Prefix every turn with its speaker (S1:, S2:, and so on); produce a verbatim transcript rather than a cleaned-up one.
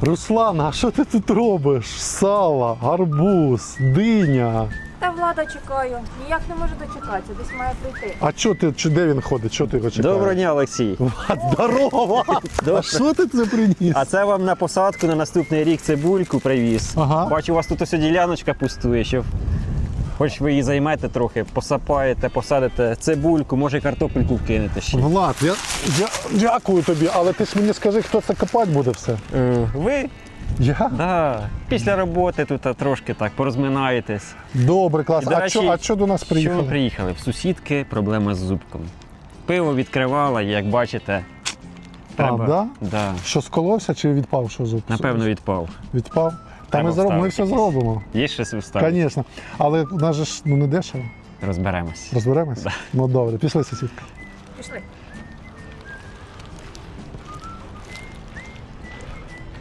S1: Руслан, а що ти тут робиш? Сало, гарбуз, диня.
S2: Та Влада чекаю. Ніяк не можу дочекатися, десь має прийти.
S1: А чо ти, чи де він ходить? Чого ти його чекаєш?
S3: Доброго дня, Олексій.
S1: Влад, здорово! А що ти це приніс?
S3: А це вам на посадку на наступний рік цибульку привіз.
S1: Ага.
S3: Бачу, у вас тут ось діляночка пустує, щоб хоч ви її займете трохи, посапаєте, посадите цибульку, може картопельку вкинете ще.
S1: Влад, я, я дякую тобі, але ти ж мені скажи, хто це копати буде все.
S3: Е, Ви?
S1: Я?
S3: Да. Після роботи тут трошки так порозминаєтесь.
S1: Добре, клас.
S3: І, до
S1: А
S3: речі,
S1: що а чо до нас
S3: Що
S1: приїхали?
S3: ви приїхали? В сусідки проблема з зубком. Пиво відкривала, як бачите, треба.
S1: А, да?
S3: Да.
S1: Що, сколовся чи відпав, що зуб?
S3: Напевно, відпав.
S1: Відпав? Та
S3: Треба
S1: ми, зроб... ми
S3: вставити
S1: все
S3: якийсь.
S1: зробимо.
S3: Є щось вставити?
S1: Звісно. Але у нас же ж ну, не дешево.
S3: Розберемось.
S1: Розберемось?
S3: Да.
S1: Ну добре, пішли, сусідка.
S2: Пішли.